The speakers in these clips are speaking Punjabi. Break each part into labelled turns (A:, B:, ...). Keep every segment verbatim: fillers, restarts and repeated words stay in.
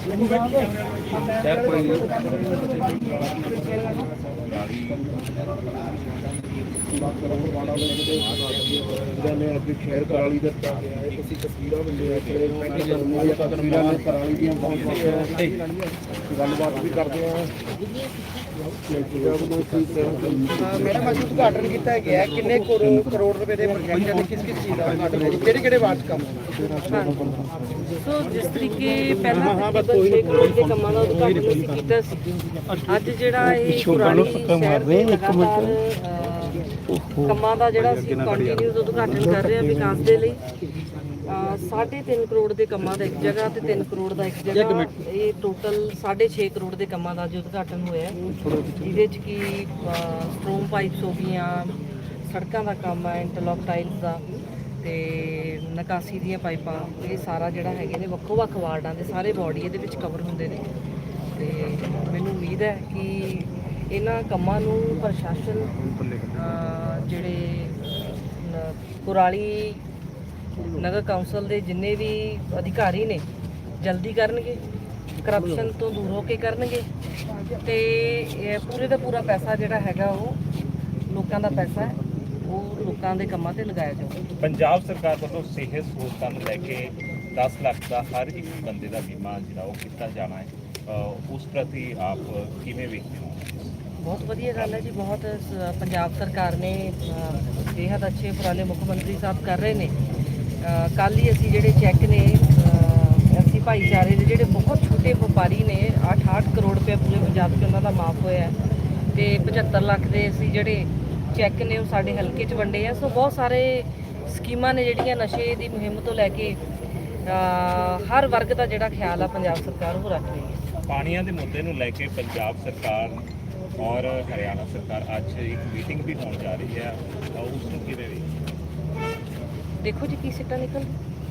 A: शहर कराली दता गया है तस्वीर कराली दी गलबात भी करते हैं। मैडम अभी उद्घाटन किया गया किन्ने करोड़ रुपए के प्रोजेक्ट है किस किस चीज़ का उद्घाटन है किहड़े किहड़े वार्ड काम
B: सो जिस तरीके पहला छे करोड़ के कामां दा उद्घाटन असीं कीता सी अज जिहड़ा इह पुरानी शहर दे लगातार ਕੰਮਾਂ ਦਾ ਜਿਹੜਾ ਅਸੀਂ ਕੰਟੀਨਿਊਸ ਉਦਘਾਟਨ ਕਰ ਰਹੇ ਹਾਂ ਵਿਕਾਸ ਦੇ ਲਈ ਸਾਢੇ ਤਿੰਨ ਕਰੋੜ ਦੇ ਕੰਮਾਂ ਦਾ ਇੱਕ ਜਗ੍ਹਾ ਤੇ ਤਿੰਨ ਕਰੋੜ ਦਾ ਇੱਕ ਜਗ੍ਹਾ ਇਹ ਟੋਟਲ ਸਾਢੇ ਛੇ ਕਰੋੜ ਦੇ ਕੰਮਾਂ ਦਾ ਜੋ ਉਦਘਾਟਨ ਹੋਇਆ ਜਿਹਦੇ 'ਚ ਕੀ ਸਟ੍ਰੋਮ ਪਾਈਪਸ ਹੋ ਗਈਆਂ ਸੜਕਾਂ ਦਾ ਕੰਮ ਹੈ ਇੰਟਰਲੌਕ ਟਾਈਲਸ ਦਾ ਤੇ ਨਿਕਾਸੀ ਦੀਆਂ ਪਾਈਪਾਂ ਇਹ ਸਾਰਾ ਜਿਹੜਾ ਹੈਗੇ ਨੇ ਵੱਖੋ ਵੱਖ ਵਾਰਡਾਂ ਦੇ ਸਾਰੇ ਬਾਡੀ ਇਹਦੇ ਵਿੱਚ ਕਵਰ ਹੁੰਦੇ ਨੇ ਤੇ ਮੈਨੂੰ ਉਮੀਦ ਹੈ ਕਿ ਇਹਨਾਂ ਕੰਮਾਂ ਨੂੰ ਪ੍ਰਸ਼ਾਸਨ ਜਿਹੜੇ ਕੁਰਾਲੀ ਨਗਰ ਕੌਂਸਲ ਦੇ ਜਿੰਨੇ ਵੀ ਅਧਿਕਾਰੀ ਨੇ ਜਲਦੀ ਕਰਨਗੇ ਕਰਪਸ਼ਨ ਤੋਂ ਦੂਰ ਹੋ ਕੇ ਕਰਨਗੇ ਤੇ ਪੂਰੇ ਦਾ ਪੂਰਾ ਪੈਸਾ ਜਿਹੜਾ ਹੈਗਾ ਉਹ ਲੋਕਾਂ ਦਾ ਪੈਸਾ ਹੈ ਉਹ ਲੋਕਾਂ ਦੇ ਕੰਮਾਂ ਤੇ ਲਗਾਇਆ ਜਾਊਗਾ।
C: ਪੰਜਾਬ ਸਰਕਾਰ ਵੱਲੋਂ ਸਿਹਤ ਸਹੂਲਤਾਂ ਨੂੰ ਲੈ ਕੇ ਦਸ ਲੱਖ ਦਾ ਹਰ ਇੱਕ ਬੰਦੇ ਦਾ ਬੀਮਾ ਜਿਹੜਾ ਉਹ ਕੀਤਾ ਜਾਣਾ ਹੈ ਉਸ ਪ੍ਰਤੀ ਆਪ ਕਿਵੇਂ ਵੇਖਦੇ ਹੋ?
B: बहुत वधिया गल है जी बहुत पंजाब सरकार ने बेहद अच्छे उपराले मुख्य मंत्री साहब कर रहे हैं। कल ही असी जोड़े चैक ने असी भाईचारे के जोड़े बहुत छोटे व्यापारी ने अठ अठ करोड़ रुपया पूरे पंजाब से उन्होंने माफ होया तो पचहत्तर लाख के असी जोड़े चैक ने साढ़े हल्के च वंडे हैं। सो बहुत सारे स्कीमां ने जिहड़ियां नशे की मुहिम तो लैके हर वर्ग का जोड़ा ख्याल है पंजाब सरकार वो रख रही है।
C: पानियां दे मुद्दे नूं लैके पंजाब सरकार और हरियाणा सरकार आज एक मीटिंग भी होने जा रही है उसको किवें
B: देखो जी की सीटां निकल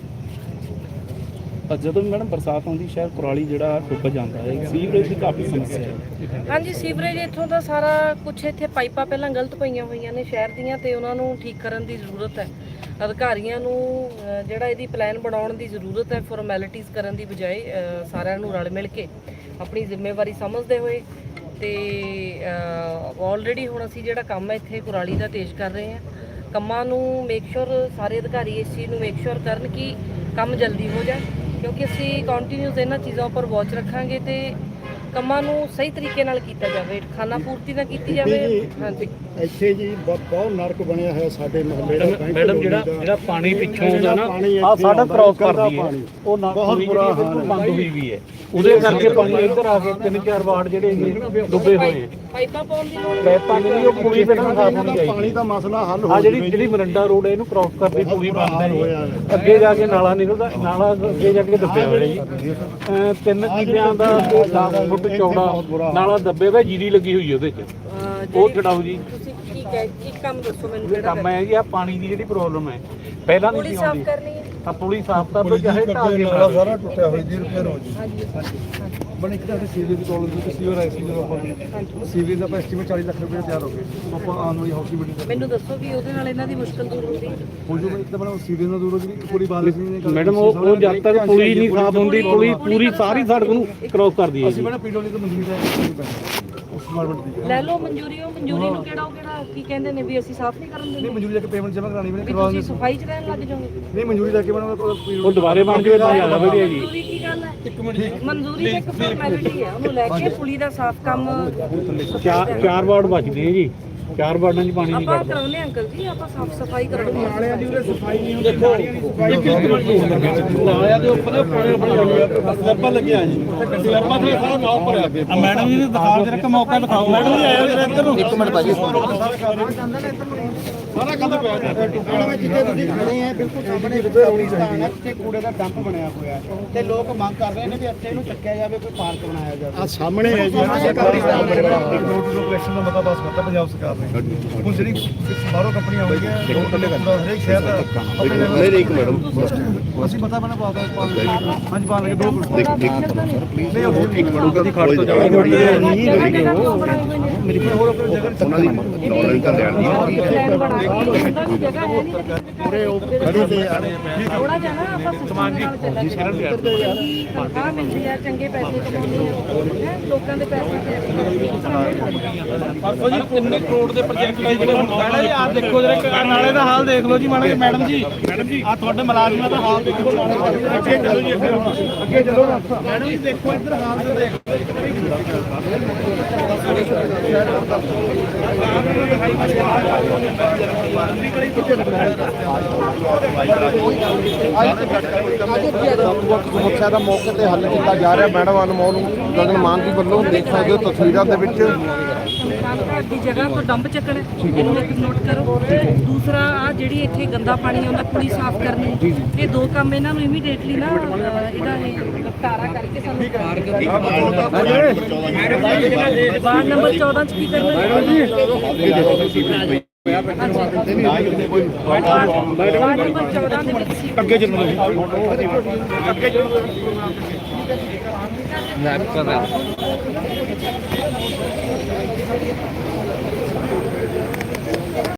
A: ਜਦੋਂ ਵੀ ਮੈਡਮ ਬਰਸਾਤ ਆਉਂਦੀ ਸ਼ਹਿਰ ਕੁਰਾਲੀ ਜਿਹੜਾ ਡੁੱਬ ਜਾਂਦਾ ਹੈ ਸੀਵਰੇਜ ਦੀ ਕਾਫੀ ਸਮੱਸਿਆ ਹੈ।
B: ਹਾਂਜੀ ਸੀਵਰੇਜ ਇੱਥੋਂ ਦਾ ਸਾਰਾ ਕੁਝ ਇੱਥੇ ਪਾਈਪਾਂ ਪਹਿਲਾਂ ਗਲਤ ਪਈਆਂ ਹੋਈਆਂ ਨੇ ਸ਼ਹਿਰ ਦੀਆਂ ਤੇ ਉਹਨਾਂ ਨੂੰ ਠੀਕ ਕਰਨ ਦੀ ਜ਼ਰੂਰਤ ਹੈ। ਅਧਿਕਾਰੀਆਂ ਨੂੰ ਜਿਹੜਾ ਇਹਦੀ ਪਲਾਨ ਬਣਾਉਣ ਦੀ ਜ਼ਰੂਰਤ ਹੈ ਫਾਰਮੈਲਿਟੀਜ਼ ਕਰਨ ਦੀ ਬਜਾਏ ਸਾਰਿਆਂ ਨੂੰ ਰਲ ਮਿਲ ਕੇ ਆਪਣੀ ਜ਼ਿੰਮੇਵਾਰੀ ਸਮਝਦੇ ਹੋਏ ਤੇ ਆਲਰੇਡੀ ਹੁਣ ਅਸੀਂ ਜਿਹੜਾ ਕੰਮ ਹੈ ਇੱਥੇ ਕੁਰਾਲੀ ਦਾ ਤੇਜ਼ ਕਰ ਰਹੇ ਹਾਂ ਕੰਮਾਂ ਨੂੰ ਮੇਕ ਸ਼ੋਰ ਸਾਰੇ ਅਧਿਕਾਰੀ ਇਸ ਚੀਜ਼ ਨੂੰ ਮੇਕ ਸ਼ੋਰ ਕਰਨ ਕਿ ਕੰਮ ਜਲਦੀ ਹੋ ਜਾਏ ਕਿਉਂਕਿ ਅਸੀਂ ਕੰਟੀਨਿਊਸ ਇਹਨਾਂ ਚੀਜ਼ਾਂ ਉੱਪਰ ਵਾਚ ਰੱਖਾਂਗੇ ਤੇ ਕੰਮਾਂ ਨੂੰ ਸਹੀ ਤਰੀਕੇ ਨਾਲ ਕੀਤਾ ਜਾਵੇ ਖਾਨਾ ਪੂਰਤੀ ਨਾ ਕੀਤੀ ਜਾਵੇ। ਹਾਂਜੀ
A: ਇੱਥੇ ਜੀ ਬਹੁਤ ਨਰਕ ਬਣਿਆ ਹੋਇਆ ਸਾਡੇ ਮੁਹੱਲੇ ਦਾ
D: ਮੈਡਮ ਜਿਹੜਾ ਜਿਹੜਾ ਪਾਣੀ ਪਿੱਛੋਂ ਆਉਂਦਾ ਨਾ ਆ ਸਾਡਾ ਕ੍ਰਾਸ ਕਰਦੀ ਹੈ ਉਹ ਬਹੁਤ ਬੁਰਾ ਹਾਲ ਬੰਦ ਹੋਈ ਵੀ ਹੈ ਉਹਦੇ ਕਰਕੇ ਪਾਣੀ ਇੱਧਰ ਆ ਕੇ ਤਿੰਨ ਚਾਰ ਵਾਰਡ ਜਿਹੜੇ ਡੁੱਬੇ ਹੋਏ ਆ
B: ਪਾਈਪਾਂ ਪਾਉਣ ਦੀ ਲੋੜ
D: ਪਾਈਪਾਂ ਦੀ ਉਹ ਪੁਲੀ ਪਹਿਲਾਂ ਸਾਫ ਹੋਣੀ ਚਾਹੀਦੀ
A: ਪਾਣੀ ਦਾ ਮਸਲਾ ਹੱਲ ਹੋ
D: ਆ ਜਿਹੜੀ ਜਿਹੜੀ ਮਰੰਡਾ ਰੋਡ ਹੈ ਇਹਨੂੰ ਕ੍ਰਾਸ ਕਰਦੀ ਪੂਰੀ ਬੰਦ ਹੈ ਅੱਗੇ ਜਾ ਕੇ ਨਾਲਾ ਨਿਕਲਦਾ ਨਾਲਾ ਅੱਗੇ ਜਾ ਕੇ ਦੱਬਿਆ ਹੋਇਆ ਜੀ ਤਿੰਨ ਕਿੱਲਿਆਂ ਦਾ ਦਸ ਫੁੱਟ ਚੌੜਾ ਨਾਲਾ ਦੱਬੇ ਹੋਇਆ ਜੀਰੀ ਲੱਗੀ ਹੋਈ ਉਹਦੇ 'ਚ ਉਹ ਛਡਾਓ ਜੀ।
B: ਤੁਸੀਂ ਕੀ ਕੀ ਕੰਮ ਦੱਸੋ ਮੈਨੂੰ
D: ਜਿਹੜਾ ਕੰਮ ਹੈ ਜੀ ਆ ਪਾਣੀ ਦੀ ਜਿਹੜੀ ਪ੍ਰੋਬਲਮ ਹੈ ਪਹਿਲਾਂ ਨਹੀਂ ਸੀ ਆਉਂਦੀ ਆ ਪੁਲੀ ਸਾਫ਼ ਕਰ ਲੋ ਚਾਹੇ ਢਾਹ ਕੇ
A: ਸਾਰਾ ਟੁੱਟਿਆ ਹੋਇਆ ਜੀ ਰਿਪੇਅਰ ਹੋ ਜੀ। ਬਣ ਇੱਕ ਤਾਂ ਸੀਵਰੇਜ ਦੀ ਪ੍ਰੋਬਲਮ ਸੀ ਸੀਵਰ ਆਈ ਸੀ ਜਦੋਂ ਆਪਾਂ ਸੀਵਰੇਜ ਦਾ ਆਪਾਂ ਐਸਟੀਮੇਟ ਚਾਲੀ ਲੱਖ ਰੁਪਏ ਤਿਆਰ ਹੋ ਗਏ ਆਪਾਂ ਆਉਣ ਵਾਲੀ ਹਾਊਸ ਮੀਟਿੰਗ
B: ਮੈਨੂੰ ਦੱਸੋ ਵੀ ਉਹਦੇ ਨਾਲ ਇਹਨਾਂ ਦੀ ਮੁਸ਼ਕਲ ਦੂਰ ਹੁੰਦੀ
A: ਹੋ ਜੂਗਾ ਇੱਕ ਤਾਂ ਬਣਾ ਸੀਵਰੇਜ ਨਾਲ ਦੂਰ ਹੋ ਜੀ ਪੂਰੀ ਬਾਰਿਸ਼ ਨਹੀਂ
D: ਮੈਡਮ ਉਹ ਉਹ ਜਦ ਤੱਕ ਪੁਲੀ ਨਹੀਂ ਸਾਫ਼ ਹੁੰਦੀ ਪੁਲੀ ਪੂਰੀ ਸਾਰੀ ਸੜਕ ਨੂੰ ਕ੍ਰੋਸ ਕਰਦੀ ਹੈ
A: ਅਸੀਂ ਬਣਾ ਪੀਡਬਲਿਊ ਤੋਂ ਮੰਜ਼ੂਰੀ ਦਾ ਉਸ ਗਵਰਨਮੈਂਟ ਦੀ
B: ਲੈ ਲਓ ਮਨਜ਼ੂਰੀ ਉਹ ਮਨਜ਼ੂਰੀ ਨੂੰ ਕਿਹੜਾ ਉਹ ਕਿਹੜਾ ਕੀ ਕਹਿੰਦੇ ਨੇ ਵੀ ਅਸੀਂ ਸਾਫ਼ ਨਹੀਂ ਕਰਨ ਦਿੰਦੇ
A: ਨਹੀਂ ਮਨਜ਼ੂਰੀ ਲੈ ਕੇ ਪੇਮੈਂਟ ਜਮ੍ਹਾਂ ਕਰਾਣੀ ਮੈਨੇ
B: ਕਰਵਾ ਦਿੰਦੇ ਸਫਾਈ ਚ ਰਹਿਣ ਲੱਗ ਜਾਓਗੇ
A: ਨਹੀਂ ਮਨਜ਼ੂਰੀ ਲੈ ਕੇ ਬਣਾ
D: ਉਹ ਦੁਬਾਰੇ ਬਣ ਜਾਵੇ ਤਾਂ ਜ਼ਿਆਦਾ ਵਧੀਆ ਜੀ।
B: ਮਨਜ਼ੂਰੀ ਕੀ ਗੱਲ ਹੈ ਇੱਕ ਮਿੰਟ ਮਨਜ਼ੂਰੀ ਇੱਕ ਫਾਰਮੈਲਿਟੀ ਹੈ ਉਹਨੂੰ ਲੈ ਕੇ ਪੁਲੀ ਦਾ ਸਾਫ਼ ਕੰਮ
D: ਚਾਰ ਚਾਰ ਵਾਰਡ ਬਚਦੇ ਆ ਜੀ ਚਾਰ ਵਾਰਡਾਂ 'ਚ ਪਾਣੀ ਨਹੀਂ
B: ਆਪਾਂ
D: ਕੱਢਦਾ
B: ਕਰਾਉਨੇ ਅੰਕਲ ਜੀ ਆਪਾਂ ਸਾਫ਼ ਸਫਾਈ ਕਰਾਉਣੀ
A: ਨਾਲਿਆਂ ਦੀ ਉਹਦੇ ਸਫਾਈ ਨਹੀਂ ਹੁੰਦੀ
D: ਨਾਲਿਆਂ ਦੇ ਉੱਪਰ ਪਾਣੀ ਸਲੈਬਾਂ ਲੱਗੀਆਂ ਜੀ ਸਲੈਬਾਂ ਤੇ ਸਾਰਾ ਨਾਮ ਭਰਿਆ ਅੱਗੇ ਮੈਡਮ ਜੀ ਨੇ ਦਿਖਾ ਦੇ ਰੱਖ ਮੌਕਾ ਦਿਖਾਓ ਮੈਡਮ ਜੀ ਆਇਓ ਜਰਾ ਇੱਧਰ ਨੂੰ ਇੱਕ ਮਿੰਟ ਭਾਜੀ ਸਾਰਾ ਕੰਧ ਪਿਆ
A: ਟੁੱਟਣ ਵਿੱਚ ਜਿੱਥੇ ਤੁਸੀਂ ਖੜੇ ਆ ਬਿਲਕੁਲ ਸਾਹਮਣੇ ਰੋਣੀ ਹੈ ਤੇ ਕੂੜੇ ਦਾ ਡੰਪ ਬਣਿਆ ਹੋਇਆ ਤੇ ਲੋਕ ਮੰਗ ਕਰ ਰਹੇ ਨੇ ਵੀ ਇੱਥੇ ਇਹਨੂੰ ਚੱਕਿਆ ਜਾਵੇ ਕੋਈ ਪਾਰਕ ਬਣਾਇਆ ਜਾਵੇ ਆ ਸਾਹਮਣੇ ਹੈ ਜੀ ਸਰਕਾਰੀ ਲੋਕੇਸ਼ਨ ਦਾ ਮਤਾ ਪਾਸ ਕਰਤਾ ਪੰਜਾਬ ਸਰਕਾਰ ਨੇ ਹੁਣ ਜਿਹੜੀ ਬਾਹਰੋਂ ਕੰਪਨੀਆਂ ਆਉਂਦੀਆਂ ਹਰੇਕ ਸ਼ਹਿਰ ਦਾ
D: ਮੇਰੇ ਇੱਕ ਮੈਡਮ
A: ਅਸੀਂ ਪਤਾ ਬਣਾ ਪਾਉਂਦਾ ਹਾਂਜੀ ਪਾ ਲਗੇ ਦੋ
D: ਦੇਖ ਦੇਖ ਪਲੀਜ਼ ਇੱਕ ਮਿੰਟ ਕਦੀ ਖੜ ਤੋਂ ਜਾਓ
B: ਮੇਰੀ ਹੋਰ ਜਗ੍ਹਾ ਉਹਨਾਂ ਦੀ ਨੌਲੇਜ ਤਾਂ ਲੈਣੀ ਹੈ ਜਗ੍ਹਾ ਹੈ ਨਹੀਂ ਮੋਰੇ ਉਹ ਖੜੇ ਤੇ ਯਾਰ ਥੋੜਾ ਜਿਹਾ ਨਾ ਆਪਾਂ ਸਮਾਨ ਨਾਲ ਚੱਲਾਂਗੇ ਤਨਖਾਹ ਮਿਲਦੀ ਆ ਚੰਗੇ ਪੈਸੇ ਕਮਾਉਂਦੇ ਆ ਲੋਕਾਂ ਦੇ ਪੈਸੇ ਤੇ
D: ਪਰਸੋਂ ਜੀ ਤਿੰਨ ਕਰੋੜ ਦੇ ਪ੍ਰੋਜੈਕਟ ਹੈ ਜਿਹੜੇ ਹੁਣ ਮੈਡਮ ਜੀ ਆਹ ਦੇਖੋ ਜਰਾ ਨਾਲੇ ਦਾ ਹਾਲ ਦੇਖ ਲਓ ਜੀ ਮਾੜਾ ਜਿਹਾ ਮੈਡਮ ਜੀ ਮੈਡਮ ਜੀ ਆਹ ਤੁਹਾਡੇ ਮੁਲਾਜ਼ਮਾਂ ਦਾ ਹਾਲ ਦੇਖੋ ਅੱਗੇ ਚਲੋ ਜੀ ਅੱਗੇ ਚਲੋ ਮੈਡਮ ਜੀ ਦੇਖੋ ਇੱਧਰ ਹਾਲ ਤੇ ਦੇਖ
A: ਸਮੱਸਿਆ ਦਾ ਮੌਕੇ ਤੇ ਹੱਲ ਕੀਤਾ ਜਾ ਰਿਹਾ। ਮੈਡਮ ਅਨਮੋਲ ਗਗਨ ਮਾਨ ਜੀ ਵੱਲੋਂ ਦੇਖ ਸਕਦੇ ਹੋ ਤਸਵੀਰਾਂ ਦੇ ਵਿੱਚ
B: ਸ਼ਮਸ਼ਾਨ ਘਾਟ ਦੀ ਜਗ੍ਹਾ ਤੋਂ ਡੰਪ ਚੱਕਣਾ ਇਹਨੂੰ ਇੱਕ ਨੋਟ ਕਰੋ। ਦੂਸਰਾ ਆ ਜਿਹੜੀ ਇੱਥੇ ਗੰਦਾ ਪਾਣੀ ਆਉਂਦਾ ਪੁਲੀ ਸਾਫ਼ ਕਰਨੀ ਇਹ ਦੋ ਕੰਮ ਇਹਨਾਂ ਨੂੰ ਇਮੀਡੀਏਟਲੀ ਨਾ ਅਹ, ਇਹਦਾ ਇਹ ਨਿਪਟਾਰਾ ਕਰਕੇ ਸਾਨੂੰ ਵਾਰਡ ਨੰਬਰ ਚੌਦਾਂ ਚ ਕੀ ਕਰਨਾ ਵਾਰਡ ਨੰਬਰ ਚੌਦਾਂ ਦੇ ਵਿੱਚ ਸੀ
A: ਅੱਗੇ ਚੱਲੋ ਅੱਗੇ ਚੱਲੋ
B: ਨਾ